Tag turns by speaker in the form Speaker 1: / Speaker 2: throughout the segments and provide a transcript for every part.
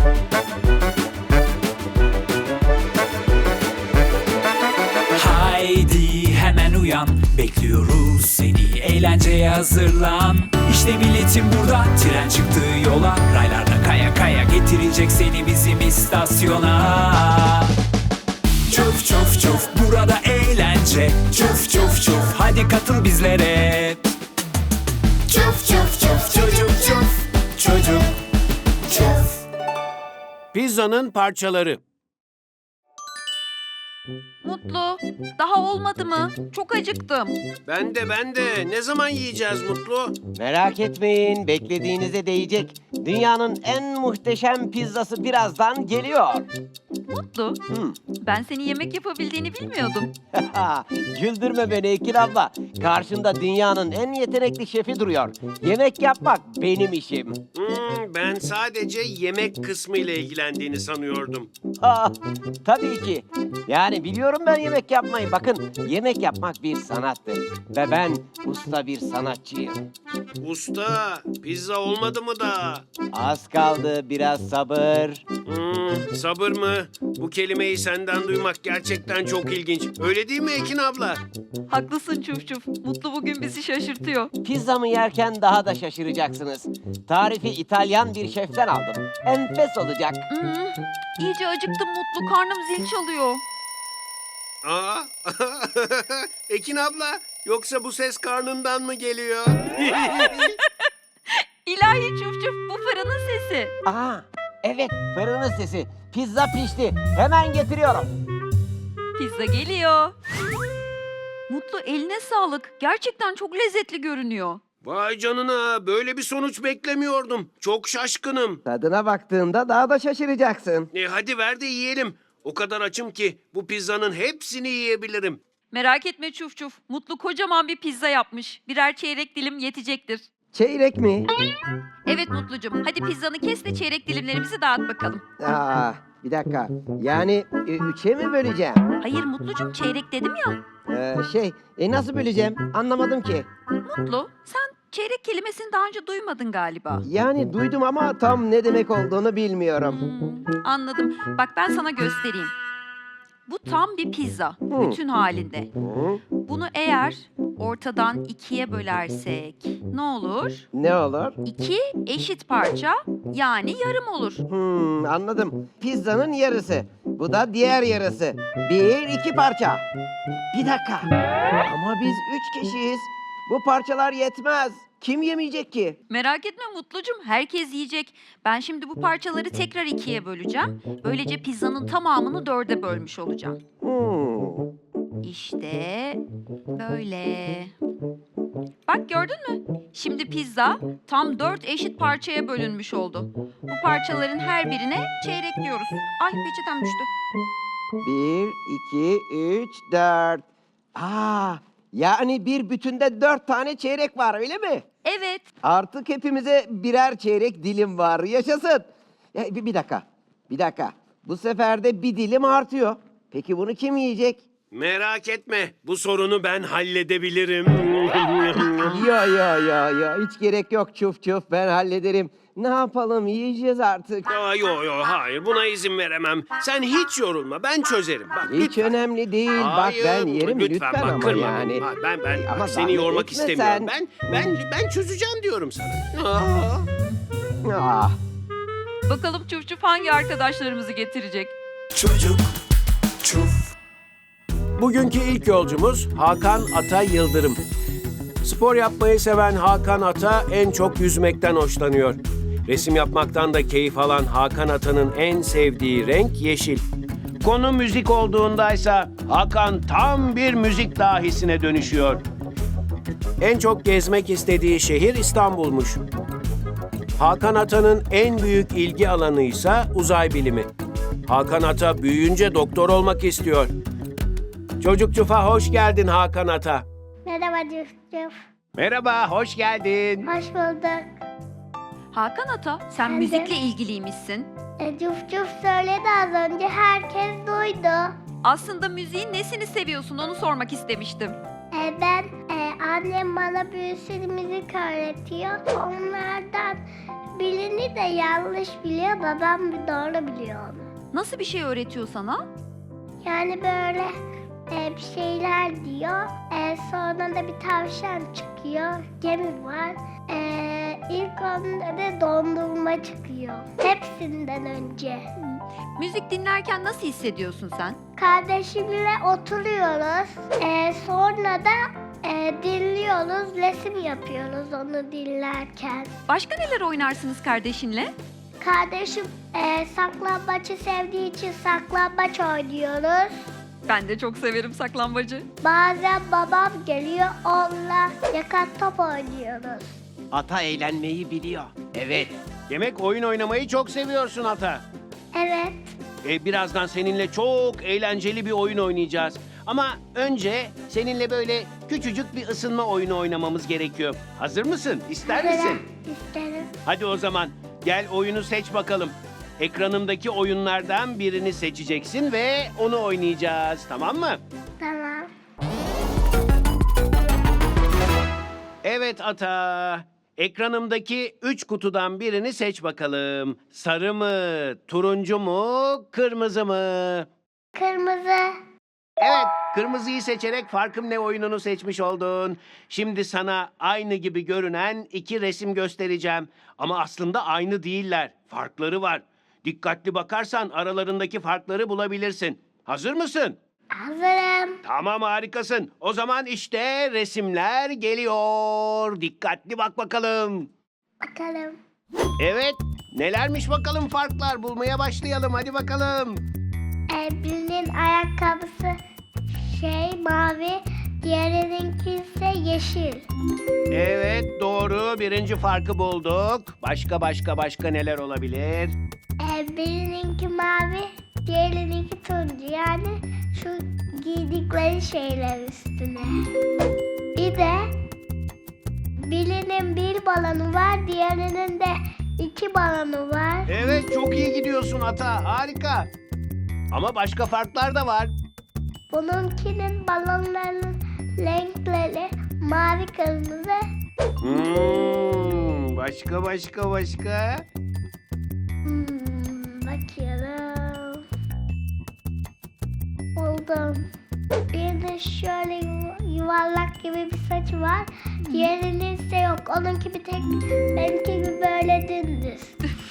Speaker 1: Haydi hemen uyan, bekliyoruz seni, eğlenceye hazırlan. İşte biletim burada, tren çıktı yola. Raylarda kaya kaya getirecek seni bizim istasyona. Çuf çuf çuf, burada eğlence. Çuf çuf çuf, hadi katıl bizlere. Çuf çuf çuf, çocuk çuf, çocuk çuf.
Speaker 2: Pizzanın parçaları.
Speaker 3: Mutlu, daha olmadı mı? Çok acıktım.
Speaker 2: Ben de. Ne zaman yiyeceğiz Mutlu?
Speaker 4: Merak etmeyin, beklediğinize değecek. Dünyanın en muhteşem pizzası birazdan geliyor.
Speaker 3: Mutlu, ben senin yemek yapabildiğini bilmiyordum.
Speaker 4: Güldürme beni Ekin abla. Karşında dünyanın en yetenekli şefi duruyor. Yemek yapmak benim işim.
Speaker 2: Ben sadece yemek kısmı ile ilgilendiğini sanıyordum.
Speaker 4: Tabii ki. Yani biliyorum ben yemek yapmayı. Bakın, yemek yapmak bir sanattır. Ve ben usta bir sanatçıyım.
Speaker 2: Usta, pizza olmadı mı da?
Speaker 4: Az kaldı, biraz sabır.
Speaker 2: Sabır mı? Bu kelimeyi senden duymak gerçekten çok ilginç. Öyle değil mi Ekin abla?
Speaker 3: Haklısın Çuf Çuf. Mutlu bugün bizi şaşırtıyor.
Speaker 4: Pizzamı yerken daha da şaşıracaksınız. Tarifi İtalyan bir şeften aldım. Enfes olacak.
Speaker 3: İyice acıktım Mutlu. Karnım zil çalıyor.
Speaker 2: Aa, Ekin abla, yoksa bu ses karnından mı geliyor?
Speaker 3: İlahi Çuf Çuf, bu fırının sesi.
Speaker 4: Evet, fırının sesi. Pizza pişti. Hemen getiriyorum.
Speaker 3: Pizza geliyor. Mutlu, eline sağlık. Gerçekten çok lezzetli görünüyor.
Speaker 2: Vay canına, böyle bir sonuç beklemiyordum. Çok şaşkınım.
Speaker 4: Tadına baktığında daha da şaşıracaksın.
Speaker 2: Hadi ver de yiyelim. O kadar açım ki bu pizzanın hepsini yiyebilirim.
Speaker 3: Merak etme Çuf Çuf. Mutlu kocaman bir pizza yapmış. Birer çeyrek dilim yetecektir.
Speaker 4: Çeyrek mi?
Speaker 3: Evet Mutlucuğum. Hadi pizzanı kes de çeyrek dilimlerimizi dağıt bakalım.
Speaker 4: Bir dakika. Yani üçe mi böleceğim?
Speaker 3: Hayır Mutlucuğum, çeyrek dedim ya.
Speaker 4: Nasıl böleceğim? Anlamadım ki.
Speaker 3: Mutlu, sen çeyrek kelimesini daha önce duymadın galiba.
Speaker 4: Yani duydum ama tam ne demek olduğunu bilmiyorum.
Speaker 3: Anladım. Bak ben sana göstereyim. Bu tam bir pizza. Bütün halinde. Bunu eğer ortadan ikiye bölersek ne olur?
Speaker 4: Ne olur?
Speaker 3: 2 eşit parça, yani yarım olur.
Speaker 4: Anladım. Pizzanın yarısı. Bu da diğer yarısı. 1-2 parça. Bir dakika. Ama biz 3 kişiyiz. Bu parçalar yetmez. Kim yemeyecek ki?
Speaker 3: Merak etme Mutlucum, herkes yiyecek. Ben şimdi bu parçaları tekrar 2'ye böleceğim. Böylece pizzanın tamamını 4'e bölmüş olacağım. İşte böyle. Bak gördün mü? Şimdi pizza tam 4 eşit parçaya bölünmüş oldu. Bu parçaların her birine çeyrek diyoruz. Ay peçetem düştü.
Speaker 4: 1, 2, 3, 4. Yani bir bütünde 4 tane çeyrek var, öyle mi?
Speaker 3: Evet.
Speaker 4: Artık hepimize birer çeyrek dilim var. Yaşasın. Bir dakika. Bu sefer de bir dilim artıyor. Peki bunu kim yiyecek?
Speaker 2: Merak etme, bu sorunu ben halledebilirim.
Speaker 4: Yo. Hiç gerek yok Çuf Çuf. Ben hallederim. Ne yapalım, yiyeceğiz artık.
Speaker 2: Yo, hayır, buna izin veremem. Sen hiç yorulma, ben çözerim. Bak,
Speaker 4: Hiç
Speaker 2: lütfen.
Speaker 4: önemli değil.
Speaker 2: Hayır,
Speaker 4: Bak ben yerim lütfen
Speaker 2: bak,
Speaker 4: ama
Speaker 2: kırma
Speaker 4: yani.
Speaker 2: beni. Hayır, ben
Speaker 4: Ama
Speaker 2: seni
Speaker 4: zahmet
Speaker 2: yormak
Speaker 4: etme
Speaker 2: istemiyorum.
Speaker 4: sen.
Speaker 2: Ben çözeceğim diyorum sana.
Speaker 4: Ah.
Speaker 3: Bakalım Çuf Çuf hangi arkadaşlarımızı getirecek?
Speaker 1: Çocuk çuf.
Speaker 2: Bugünkü ilk yolcumuz Hakan Ata Yıldırım. Spor yapmayı seven Hakan Ata en çok yüzmekten hoşlanıyor. Resim yapmaktan da keyif alan Hakan Ata'nın en sevdiği renk yeşil. Konu müzik olduğundaysa Hakan tam bir müzik dahisine dönüşüyor. En çok gezmek istediği şehir İstanbul'muş. Hakan Ata'nın en büyük ilgi alanı ise uzay bilimi. Hakan Ata büyüyünce doktor olmak istiyor. Çocuk Çuf'a hoş geldin Hakan Ata.
Speaker 5: Merhaba Cüf Cüf.
Speaker 2: Merhaba, hoş geldin.
Speaker 5: Hoş bulduk.
Speaker 3: Hakan Ata, sen
Speaker 5: Ben de.
Speaker 3: müzikle ilgiliymişsin.
Speaker 5: Cüf Cüf söyledi az önce, herkes duydu.
Speaker 3: Aslında müziğin nesini seviyorsun onu sormak istemiştim.
Speaker 5: Ben annem bana bir sürü müzik öğretiyor. Onlardan birini de yanlış biliyor, babam bir doğru biliyor onu.
Speaker 3: Nasıl bir şey öğretiyor sana?
Speaker 5: Yani böyle bir şeyler diyor. Sonra da bir tavşan çıkıyor. Gemi var. İlk onda da dondurma çıkıyor. Hepsinden önce.
Speaker 3: Müzik dinlerken nasıl hissediyorsun sen?
Speaker 5: Kardeşimle oturuyoruz. Sonra da dinliyoruz. Resim yapıyoruz onu dinlerken.
Speaker 3: Başka neler oynarsınız kardeşinle?
Speaker 5: Kardeşim saklambaçı sevdiği için saklambaç oynuyoruz.
Speaker 3: Ben de çok severim saklambacı.
Speaker 5: Bazen babam geliyor, onunla yakan top oynuyoruz.
Speaker 4: Ata eğlenmeyi biliyor. Evet.
Speaker 2: Demek oyun oynamayı çok seviyorsun Ata.
Speaker 5: Evet,
Speaker 2: Birazdan seninle çok eğlenceli bir oyun oynayacağız. Ama önce seninle böyle küçücük bir ısınma oyunu oynamamız gerekiyor. Hazır mısın? İster misin?
Speaker 5: hazırım, isterim.
Speaker 2: Hadi o zaman gel oyunu seç bakalım. Ekranımdaki oyunlardan birini seçeceksin ve onu oynayacağız. Tamam mı?
Speaker 5: Tamam.
Speaker 2: Evet Ata. Ekranımdaki 3 kutudan birini seç bakalım. Sarı mı, turuncu mu, kırmızı mı?
Speaker 5: Kırmızı.
Speaker 2: Evet, kırmızıyı seçerek farkım ne oyununu seçmiş oldun. Şimdi sana aynı gibi görünen 2 resim göstereceğim. Ama aslında aynı değiller. Farkları var. Dikkatli bakarsan aralarındaki farkları bulabilirsin. Hazır mısın?
Speaker 5: Hazırım.
Speaker 2: Tamam, harikasın. O zaman işte resimler geliyor. Dikkatli bak bakalım.
Speaker 5: Bakalım.
Speaker 2: Evet, nelermiş bakalım farklar. Bulmaya başlayalım. Hadi bakalım.
Speaker 5: Birinin ayakkabısı mavi, diğerininki ise yeşil.
Speaker 2: Evet, doğru. Birinci farkı bulduk. Başka neler olabilir?
Speaker 5: Birininki mavi, diğerininki turuncu. Yani şu giydikleri şeyler üstüne. Bir de birinin bir balonu var, diğerinin de 2 balonu var.
Speaker 2: Evet, çok iyi gidiyorsun Ata. Harika. Ama başka farklar da var.
Speaker 5: Bununkinin balonlarının renkleri mavi, kırmızı.
Speaker 2: Başka.
Speaker 5: Bakıyorum. Buldum. Bir de şöyle yuvarlak gibi bir saçı var. Diğerinin ise yok. Onunki bir tek benimki gibi böyle dümdüz.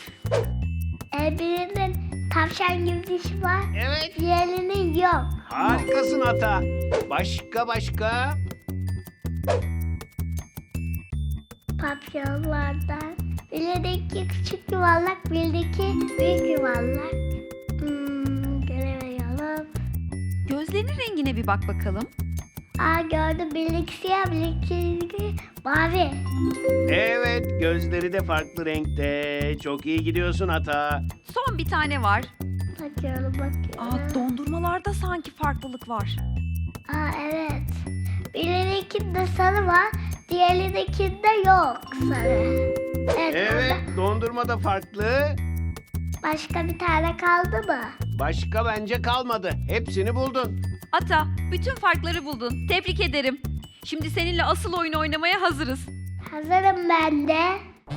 Speaker 5: Birinin tavşan gibi dişi var.
Speaker 2: Evet.
Speaker 5: Diğerinin yok.
Speaker 2: Harikasın Ata. Başka.
Speaker 5: Papyonlardan. Birdeki küçük yuvarlak, birdeki büyük yuvarlak. Göremiyorum.
Speaker 3: Gözlerinin rengine bir bak bakalım.
Speaker 5: Gördüm. Birdeki siyah, birdeki mavi.
Speaker 2: Evet, gözleri de farklı renkte. Çok iyi gidiyorsun Ata.
Speaker 3: Son bir tane var.
Speaker 5: Bakıyorum.
Speaker 3: Dondurmalarda sanki farklılık var.
Speaker 5: Evet. Birindekinde sarı var, diğerindekinde yok sarı.
Speaker 2: Evet, dondurma da farklı.
Speaker 5: Başka bir tane kaldı mı?
Speaker 2: Başka bence kalmadı. Hepsini buldun.
Speaker 3: Ata, bütün farkları buldun. Tebrik ederim. Şimdi seninle asıl oyun oynamaya hazırız.
Speaker 5: Hazırım ben de.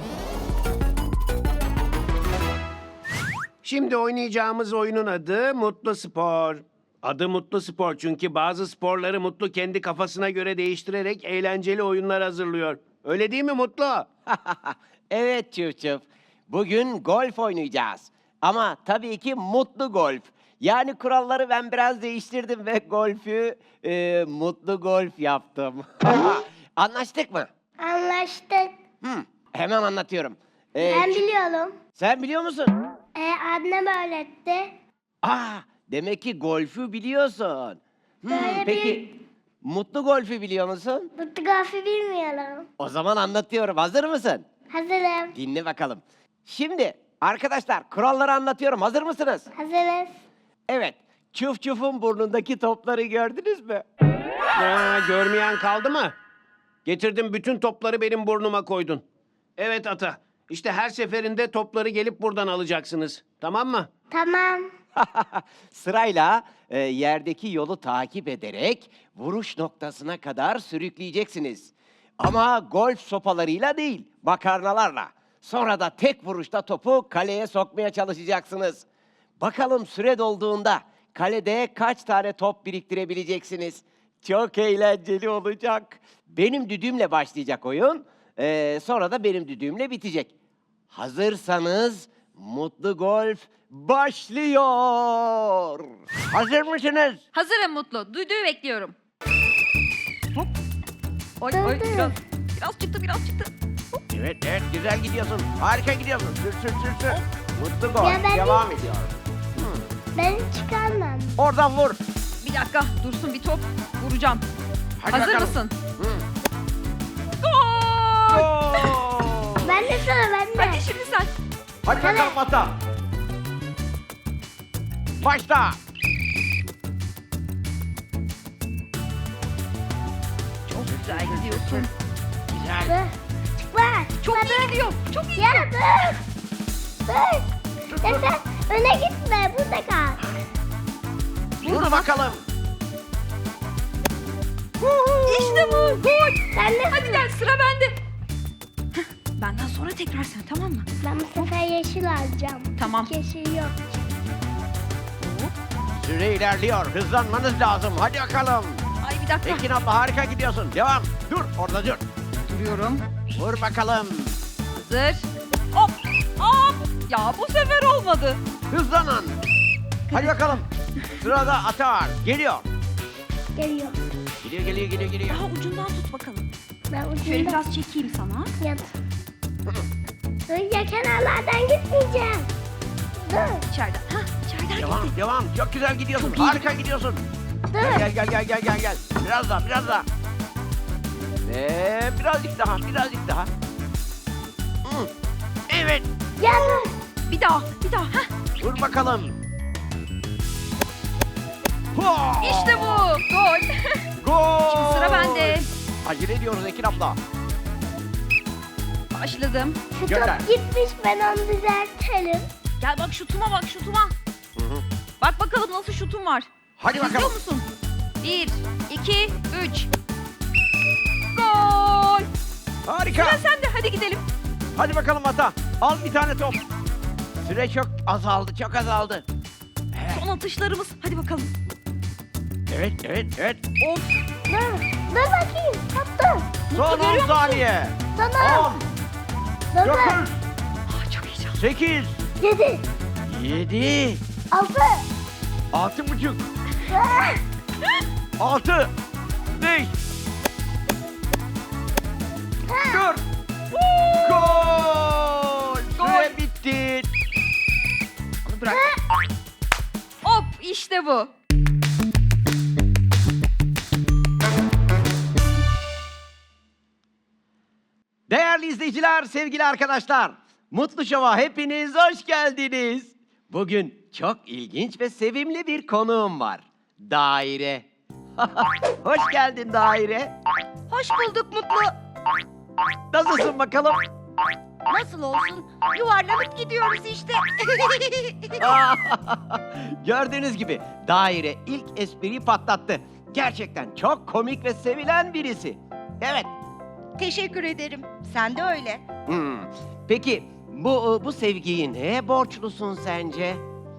Speaker 2: Şimdi oynayacağımız oyunun adı Mutlu Spor. Adı Mutlu Spor çünkü bazı sporları Mutlu kendi kafasına göre değiştirerek eğlenceli oyunlar hazırlıyor. Öyle değil mi Mutlu?
Speaker 4: Evet Çıf. Bugün golf oynayacağız. Ama tabii ki mutlu golf. Yani kuralları ben biraz değiştirdim ve golfü mutlu golf yaptım. Anlaştık mı?
Speaker 5: Anlaştık.
Speaker 4: Hemen anlatıyorum.
Speaker 5: Ben biliyorum.
Speaker 4: Sen biliyor musun?
Speaker 5: Annem öğretti.
Speaker 4: Demek ki golfü biliyorsun.
Speaker 5: Böyle
Speaker 4: Peki mutlu golfü biliyor musun?
Speaker 5: Fotoğrafı bilmiyorum.
Speaker 4: O zaman anlatıyorum. Hazır mısın?
Speaker 5: Hazırım.
Speaker 4: Dinle bakalım. Şimdi arkadaşlar kuralları anlatıyorum. Hazır mısınız?
Speaker 5: Hazırız.
Speaker 4: Evet. Çuf'un burnundaki topları gördünüz mü?
Speaker 2: Görmeyen kaldı mı? Getirdim, bütün topları benim burnuma koydun. Evet Ata. İşte her seferinde topları gelip buradan alacaksınız. Tamam mı?
Speaker 5: Tamam.
Speaker 4: Sırayla yerdeki yolu takip ederek vuruş noktasına kadar sürükleyeceksiniz. Ama golf sopalarıyla değil, makarnalarla. Sonra da tek vuruşta topu kaleye sokmaya çalışacaksınız. Bakalım süre dolduğunda kalede kaç tane top biriktirebileceksiniz? Çok eğlenceli olacak. Benim düdüğümle başlayacak oyun. Sonra da benim düdüğümle bitecek. Hazırsanız Mutlu Golf başlıyor. Hazır mısınız?
Speaker 3: Hazırım Mutlu. Düdüğü bekliyorum. Hop. Oy oy
Speaker 5: Dur.
Speaker 3: biraz çıktı biraz çıktı.
Speaker 4: Evet, evet, güzel gidiyorsun. Harika gidiyorsun. Sür. Mutlu
Speaker 5: Ya
Speaker 4: Golf
Speaker 5: ben-
Speaker 4: devam ediyor.
Speaker 5: Ben çıkarmam.
Speaker 4: Oradan vur.
Speaker 3: Bir dakika dursun bir top. Vuracağım.
Speaker 4: Hadi
Speaker 3: Hazır
Speaker 4: bakalım.
Speaker 3: mısın?
Speaker 4: Hı.
Speaker 3: Gol!
Speaker 4: Gol!
Speaker 5: Ben de sana ben de.
Speaker 3: Hadi şimdi sen.
Speaker 4: Hadi bakalım ata. Başla.
Speaker 3: Çok güzel gidiyorsun.
Speaker 4: Güzel.
Speaker 5: Dur. Çıkma.
Speaker 3: Çok iyi gidiyor. Çok iyi.
Speaker 5: Ya dur. Dur. Ya sen öne gitme. Burada kal.
Speaker 4: Vur bakalım.
Speaker 3: İşte bu. Gol.
Speaker 5: Sen de.
Speaker 3: Hadi gel sıra bende. Heh, benden sonra tekrar sen tamam mı?
Speaker 5: Ben bu sefer yeşil alacağım.
Speaker 3: Tamam.
Speaker 5: Yeşil yok.
Speaker 4: Süre ilerliyor. Hızlanmanız lazım. Hadi bakalım.
Speaker 3: Ay bir dakika.
Speaker 4: Ekin abla harika gidiyorsun. Devam. Dur orada dur.
Speaker 3: Duruyorum.
Speaker 4: Vur bakalım.
Speaker 3: Hazır. Hop. Hop. Ya bu sefer olmadı.
Speaker 4: Hızlanın. Hadi bakalım. Sırada ata var. Geliyor.
Speaker 5: Geliyor.
Speaker 4: Geliyor.
Speaker 3: Daha ucundan tut bakalım.
Speaker 5: Ben
Speaker 3: Şöyle
Speaker 5: ucunda
Speaker 3: biraz çekeyim sana.
Speaker 5: yat. Dur ya kenarlardan gitmeyeceğim. Dur.
Speaker 3: İçeriden. Hah içeriden gitti.
Speaker 4: Devam. Çok güzel gidiyorsun.
Speaker 3: Çok iyi.
Speaker 4: Harika gidiyorsun.
Speaker 5: Dur.
Speaker 4: Gel. Biraz daha. Ve birazcık daha. Hı. Evet.
Speaker 5: Ya dur.
Speaker 3: Bir daha. Hah.
Speaker 4: Vur bakalım. Ho!
Speaker 3: İşte bu. Gol.
Speaker 4: Gol!
Speaker 3: Şimdi sıra bende.
Speaker 4: Acele ediyoruz Ekin abla.
Speaker 3: Başladım.
Speaker 5: Şu
Speaker 4: Gönder.
Speaker 5: top gitmiş ben onu düzeltelim.
Speaker 3: Gel bak şutuma bak şutuma.
Speaker 4: Hı hı.
Speaker 3: Bak bakalım nasıl şutum var.
Speaker 4: Hadi
Speaker 3: İzliyor
Speaker 4: bakalım.
Speaker 3: musun? 1, 2, 3. Gol.
Speaker 4: Harika.
Speaker 3: Sıra sende. Hadi gidelim.
Speaker 4: Hadi bakalım ata. Al bir tane top. Süre çok azaldı.
Speaker 3: Son atışlarımız. Hadi bakalım.
Speaker 4: Evet.
Speaker 3: Of.
Speaker 5: Dur bakayım. Attım.
Speaker 4: Son
Speaker 3: görüyor
Speaker 4: 10
Speaker 3: musun?
Speaker 4: saniye.
Speaker 5: Tamam.
Speaker 4: 10, 9,
Speaker 5: Dur.
Speaker 3: Ah, çok heyecanlı.
Speaker 4: 8,
Speaker 5: 7.
Speaker 4: 7,
Speaker 5: 6.
Speaker 4: 6,5, 6, 5, 4. Gol! Süre bitti.
Speaker 3: Onu bırak. Hop işte bu.
Speaker 4: Değerli izleyiciler, sevgili arkadaşlar. Mutlu Şov'a hepiniz hoş geldiniz. Bugün çok ilginç ve sevimli bir konuğum var. Daire. Hoş geldin Daire.
Speaker 6: Hoş bulduk Mutlu.
Speaker 4: Nasılsın bakalım?
Speaker 6: Nasıl olsun? Yuvarlanıp gidiyoruz işte.
Speaker 4: Gördüğünüz gibi Daire ilk espriyi patlattı. Gerçekten çok komik ve sevilen birisi. Evet.
Speaker 6: Teşekkür ederim. Sen de öyle.
Speaker 4: Peki bu sevgiyi neye borçlusun sence?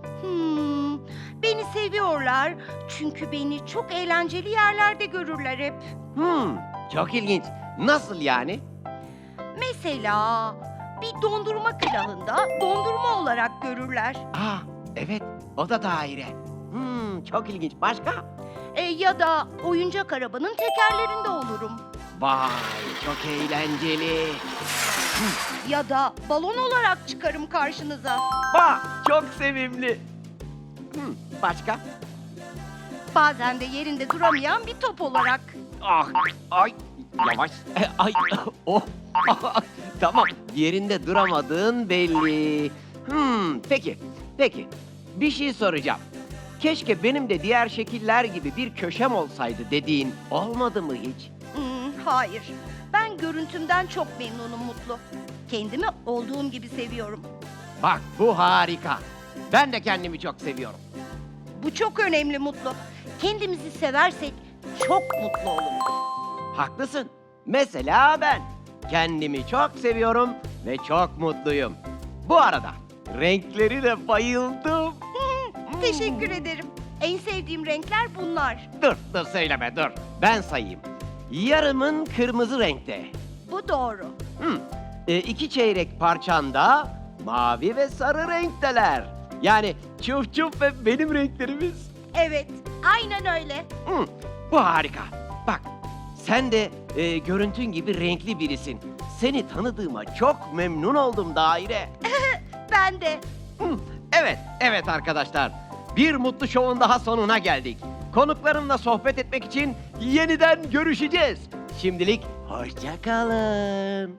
Speaker 6: Beni seviyorlar çünkü beni çok eğlenceli yerlerde görürler hep.
Speaker 4: Çok ilginç. Nasıl yani?
Speaker 6: Mesela bir dondurma külahında dondurma olarak görürler.
Speaker 4: Evet, o da Daire. Çok ilginç. Başka?
Speaker 6: Ya da oyuncak arabanın tekerlerinde olurum.
Speaker 4: Vay, çok eğlenceli.
Speaker 6: Ya da balon olarak çıkarım karşınıza.
Speaker 4: Çok sevimli. Başka?
Speaker 6: Bazen de yerinde duramayan bir top olarak.
Speaker 4: Ay, yavaş. Ay, oh. Tamam, yerinde duramadığın belli. Peki. Bir şey soracağım. Keşke benim de diğer şekiller gibi bir köşem olsaydı dediğin olmadı mı hiç?
Speaker 6: Hayır. Ben görüntümden çok memnunum Mutlu. Kendimi olduğum gibi seviyorum.
Speaker 4: Bak, bu harika. Ben de kendimi çok seviyorum.
Speaker 6: Bu çok önemli Mutlu. Kendimizi seversek çok mutlu oluruz.
Speaker 4: Haklısın. Mesela ben. Kendimi çok seviyorum ve çok mutluyum. Bu arada renkleri de bayıldım.
Speaker 6: Teşekkür ederim. En sevdiğim renkler bunlar.
Speaker 4: Dur söyleme dur. Ben sayayım. Yarımın kırmızı renkte.
Speaker 6: Bu doğru.
Speaker 4: 2 çeyrek parçanda mavi ve sarı renkteler. Yani çuf çuf ve benim renklerimiz.
Speaker 6: Evet, aynen öyle.
Speaker 4: Bu harika. Bak, sen de görüntün gibi renkli birisin. Seni tanıdığıma çok memnun oldum Daire.
Speaker 6: Ben de.
Speaker 4: Evet arkadaşlar. Bir mutlu şovun daha sonuna geldik. Konuklarımla sohbet etmek için yeniden görüşeceğiz. Şimdilik hoşça kalın.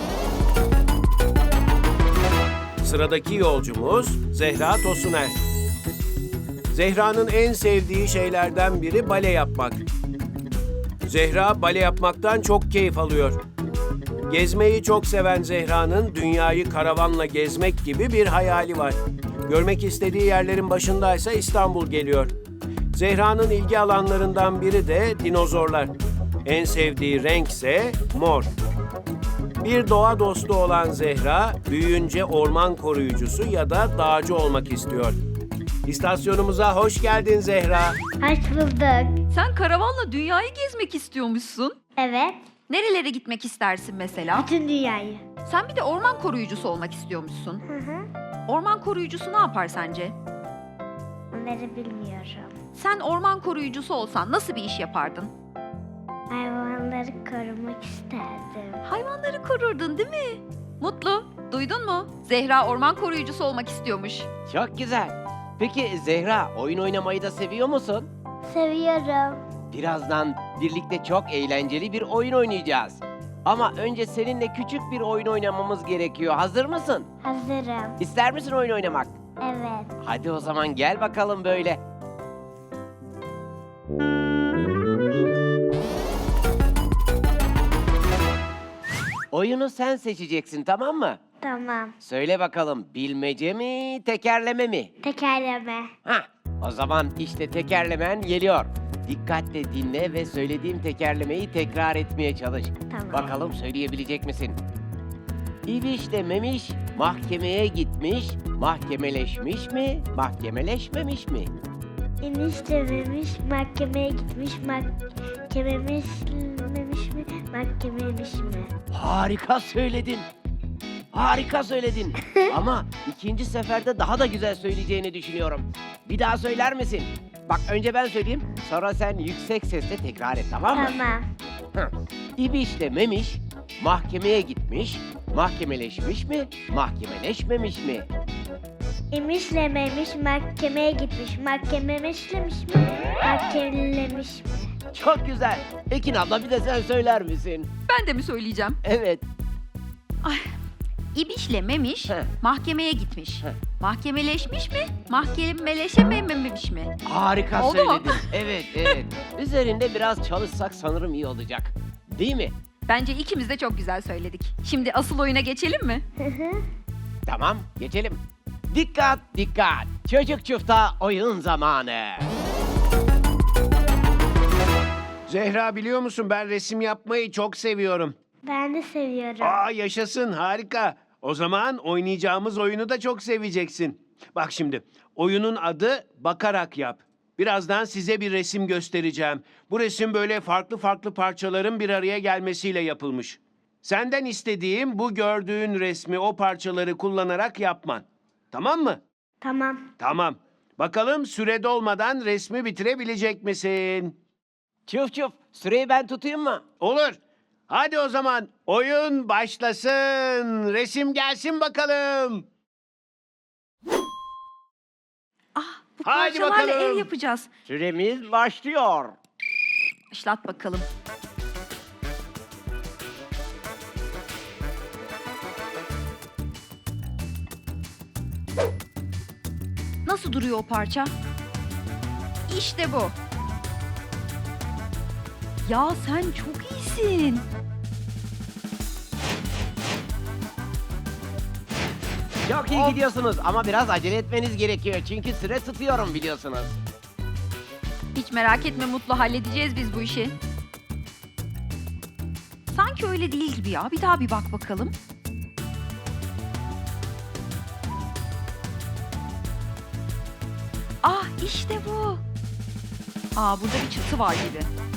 Speaker 2: Sıradaki yolcumuz Zehra Tosuner. Zehra'nın en sevdiği şeylerden biri bale yapmak. Zehra bale yapmaktan çok keyif alıyor. Gezmeyi çok seven Zehra'nın dünyayı karavanla gezmek gibi bir hayali var. Görmek istediği yerlerin başındaysa İstanbul geliyor. Zehra'nın ilgi alanlarından biri de dinozorlar. En sevdiği renk ise mor. Bir doğa dostu olan Zehra, büyüyünce orman koruyucusu ya da dağcı olmak istiyor. İstasyonumuza hoş geldin Zehra.
Speaker 5: Hoş bulduk.
Speaker 3: Sen karavanla dünyayı gezmek istiyormuşsun.
Speaker 5: Evet.
Speaker 3: Nerelere gitmek istersin mesela?
Speaker 5: Bütün dünyayı.
Speaker 3: Sen bir de orman koruyucusu olmak istiyormuşsun.
Speaker 5: Hı hı.
Speaker 3: Orman koruyucusu ne yapar sence?
Speaker 5: Onları bilmiyorum.
Speaker 3: Sen orman koruyucusu olsan nasıl bir iş yapardın?
Speaker 5: Hayvanları korumak isterdim.
Speaker 3: Hayvanları korurdun değil mi? Mutlu, duydun mu? Zehra orman koruyucusu olmak istiyormuş.
Speaker 4: Çok güzel. Peki Zehra, oyun oynamayı da seviyor musun?
Speaker 5: Seviyorum.
Speaker 4: Birazdan birlikte çok eğlenceli bir oyun oynayacağız. Ama önce seninle küçük bir oyun oynamamız gerekiyor. Hazır mısın?
Speaker 5: Hazırım.
Speaker 4: İster misin oyun oynamak?
Speaker 5: Evet.
Speaker 4: Hadi o zaman gel bakalım böyle. Oyunu sen seçeceksin, tamam mı?
Speaker 5: Tamam.
Speaker 4: Söyle bakalım, bilmece mi, tekerleme mi?
Speaker 5: Tekerleme.
Speaker 4: Hah, o zaman işte tekerlemen geliyor. Dikkatle dinle ve söylediğim tekerlemeyi tekrar etmeye çalış.
Speaker 5: Tamam.
Speaker 4: Bakalım söyleyebilecek misin? İbiş de memiş, mahkemeye gitmiş, mahkemeleşmiş mi, mahkemeleşmemiş mi?
Speaker 5: Eniştememiş, mahkemeye gitmiş, mahkememiş mi, mahkememiş mi?
Speaker 4: Harika söyledin. Harika söyledin. Ama ikinci seferde daha da güzel söyleyeceğini düşünüyorum. Bir daha söyler misin? Bak önce ben söyleyeyim, sonra sen yüksek sesle tekrar et, tamam mı?
Speaker 5: Tamam.
Speaker 4: Heh. İbişle memiş, mahkemeye gitmiş, mahkemeleşmiş mi, mahkemeleşmemiş mi?
Speaker 5: İmişlememiş, mahkemeye gitmiş, mahkememişlemiş mi, mahkemelemiş mi?
Speaker 4: Çok güzel. Ekin abla bir de sen söyler misin?
Speaker 3: Ben de mi söyleyeceğim?
Speaker 4: Evet.
Speaker 3: İbişle Memiş
Speaker 4: Heh.
Speaker 3: mahkemeye gitmiş.
Speaker 4: Heh.
Speaker 3: Mahkemeleşmiş mi? Mahkemeleşememiş mi?
Speaker 4: Harika
Speaker 3: Oldu mu?
Speaker 4: söyledin. Evet. Üzerinde biraz çalışsak sanırım iyi olacak. Değil mi?
Speaker 3: Bence ikimiz de çok güzel söyledik. Şimdi asıl oyuna geçelim mi?
Speaker 4: Tamam, geçelim. Dikkat, dikkat. Çocuk çufta oyun zamanı.
Speaker 2: Zehra biliyor musun ben resim yapmayı çok seviyorum.
Speaker 5: Ben de seviyorum.
Speaker 2: Aa yaşasın harika. O zaman oynayacağımız oyunu da çok seveceksin. Bak şimdi oyunun adı Bakarak Yap. Birazdan size bir resim göstereceğim. Bu resim böyle farklı farklı parçaların bir araya gelmesiyle yapılmış. Senden istediğim bu gördüğün resmi o parçaları kullanarak yapman. Tamam mı?
Speaker 5: Tamam.
Speaker 2: Tamam. Bakalım süre dolmadan resmi bitirebilecek misin?
Speaker 4: Çuf çuf, süreyi ben tutayım mı?
Speaker 2: Olur. Hadi o zaman oyun başlasın. Resim gelsin bakalım.
Speaker 3: Bu
Speaker 2: Haydi
Speaker 3: parçalarla
Speaker 2: bakalım.
Speaker 3: ev yapacağız.
Speaker 4: Süremiz başlıyor.
Speaker 3: Başlat bakalım. Nasıl duruyor o parça? İşte bu. Ya sen çok iyisin.
Speaker 4: Çok iyi gidiyorsunuz ama biraz acele etmeniz gerekiyor. Çünkü süre tutuyorum biliyorsunuz.
Speaker 3: Hiç merak etme Mutlu, halledeceğiz biz bu işi. Sanki öyle değil gibi ya. Bir daha bir bak bakalım. Ah işte bu. Aa burada bir çatı var gibi.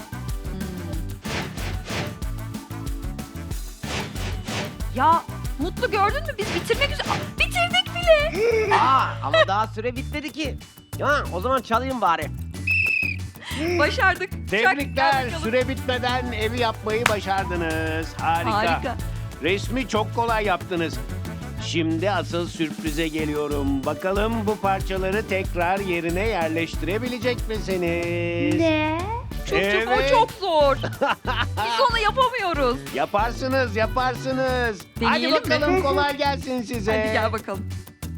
Speaker 3: Ya Mutlu gördün mü? Biz bitirmek üzere. Bitirdik bile.
Speaker 4: Ama daha süre bitmedi ki. Ha, o zaman çalayım bari.
Speaker 3: Başardık. Çak, gel
Speaker 2: Tebrikler.
Speaker 3: bakalım.
Speaker 2: Süre bitmeden evi yapmayı başardınız. Harika.
Speaker 3: Harika.
Speaker 2: Resmi çok kolay yaptınız. Şimdi asıl sürprize geliyorum. Bakalım bu parçaları tekrar yerine yerleştirebilecek misiniz?
Speaker 5: Ne?
Speaker 3: Çocuğum
Speaker 2: Evet.
Speaker 3: o çok zor. Biz onu yapamıyoruz.
Speaker 2: Yaparsınız, yaparsınız.
Speaker 3: Deneyelim
Speaker 2: Hadi bakalım
Speaker 5: mi?
Speaker 2: kolay gelsin size.
Speaker 3: Hadi gel bakalım.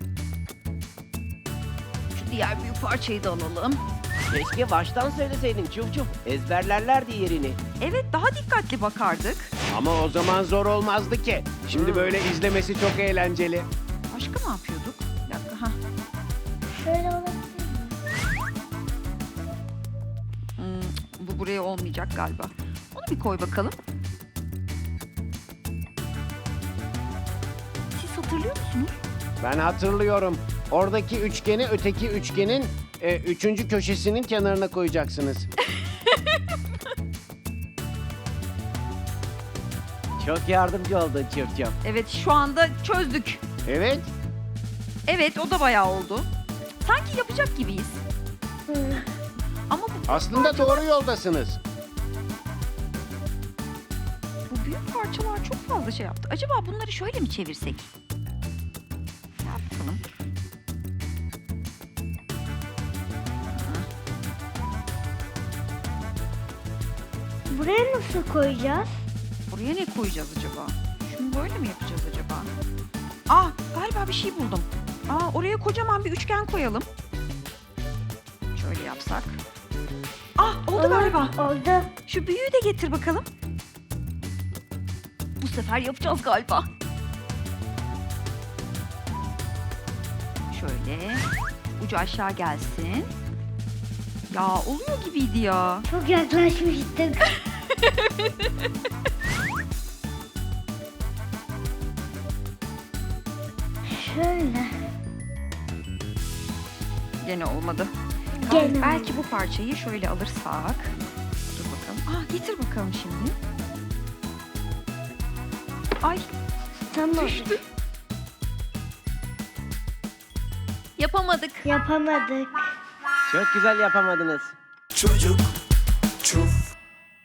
Speaker 3: Şu diğer büyük parçayı da alalım.
Speaker 4: Keşke baştan söyleseydin Çuf Çuf. Ezberlerlerdi yerini.
Speaker 3: Evet daha dikkatli bakardık.
Speaker 2: Ama o zaman zor olmazdı ki. Şimdi böyle izlemesi çok eğlenceli.
Speaker 3: Başka ne yapıyorduk? Bir dakika. Ha.
Speaker 5: Şöyle olabilir mi?
Speaker 3: Bu buraya olmayacak galiba. Onu bir koy bakalım. Siz hatırlıyor musunuz?
Speaker 2: Ben hatırlıyorum. Oradaki üçgeni öteki üçgenin üçüncü köşesinin kenarına koyacaksınız.
Speaker 4: Çok yardımcı oldun Çuf Çuf.
Speaker 3: Evet şu anda çözdük.
Speaker 2: Evet.
Speaker 3: Evet o da bayağı oldu. Sanki yapacak gibiyiz. Ama
Speaker 2: Aslında doğru yoldasınız.
Speaker 3: bu büyük parçalar çok fazla şey yaptı. Acaba bunları şöyle mi çevirsek? Ne yapalım?
Speaker 5: Buraya nasıl koyacağız?
Speaker 3: Buraya ne koyacağız acaba? Şunu böyle mi yapacağız acaba? Ah galiba bir şey buldum. Oraya kocaman bir üçgen koyalım. Şöyle yapsak. Oldu galiba.
Speaker 5: Oldu.
Speaker 3: Şu büyüğü de getir bakalım. Bu sefer yapacağız galiba. Şöyle. Ucu aşağı gelsin. Ya oluyor gibiydi ya.
Speaker 5: Çok yaklaşmıştık. Şöyle.
Speaker 3: Gene olmadı.
Speaker 5: Gene.
Speaker 3: Belki bu parçayı şöyle alırsak. Dur bakalım. Getir bakalım şimdi. Ay
Speaker 5: Tamam.
Speaker 3: düştü. Yapamadık.
Speaker 5: Yapamadık.
Speaker 4: Çok güzel yapamadınız.
Speaker 1: Çocuk çuf.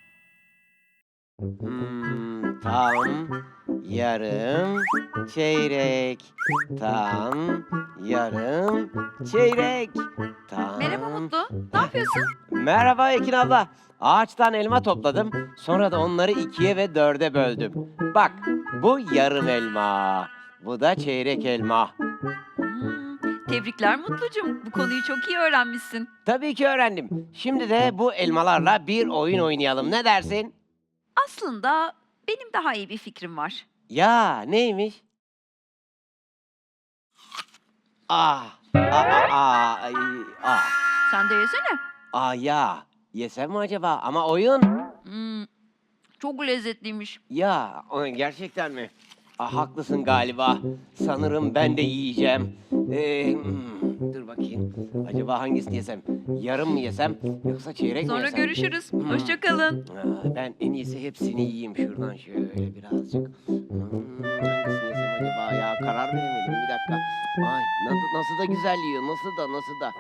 Speaker 4: Tam, yarım, çeyrek. Tam, yarım, çeyrek. Tam.
Speaker 3: Merhaba Mutlu. Ne yapıyorsun?
Speaker 4: Merhaba Ekin abla. Ağaçtan elma topladım. Sonra da onları 2'ye ve 4'e böldüm. Bak, bu yarım elma. Bu da çeyrek elma.
Speaker 3: Tebrikler Mutlucuğum. Bu konuyu çok iyi öğrenmişsin.
Speaker 4: Tabii ki öğrendim. Şimdi de bu elmalarla bir oyun oynayalım. Ne dersin?
Speaker 3: Aslında benim daha iyi bir fikrim var.
Speaker 4: Ya neymiş?
Speaker 3: Sen de yesene.
Speaker 4: Ya yesem mi acaba? Ama oyun.
Speaker 3: Çok lezzetliymiş.
Speaker 4: Ya gerçekten mi? Haklısın galiba. Sanırım ben de yiyeceğim. Dur bakayım. Acaba hangisini yesem? Yarım mı yesem yoksa çeyrek mi
Speaker 3: Sonra
Speaker 4: yesem?
Speaker 3: görüşürüz. Hoşça kalın.
Speaker 4: Ben en iyisi hepsini yiyeyim şuradan şöyle birazcık. Hangisini yesem acaba ya? Karar veremedim bir dakika. Ay nasıl da güzel yiyor. Nasıl da.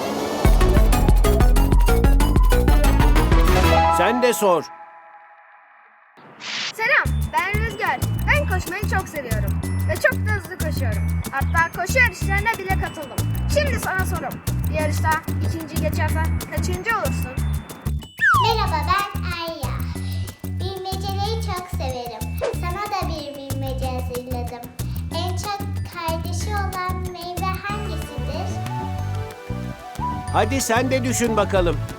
Speaker 2: Sen de sor.
Speaker 7: Selam, ben Rüzgar. Ben koşmayı çok seviyorum ve çok da hızlı koşuyorum. Hatta koşu yarışlarına bile katıldım. Şimdi sana sorum. Bir yarışta ikinci geçersen kaçıncı olursun?
Speaker 5: Merhaba ben Arya. Bilmeceleri çok severim. Sana da bir bilmece hazırladım. En çok kardeşi olan meyve hangisidir?
Speaker 2: Hadi sen de düşün bakalım.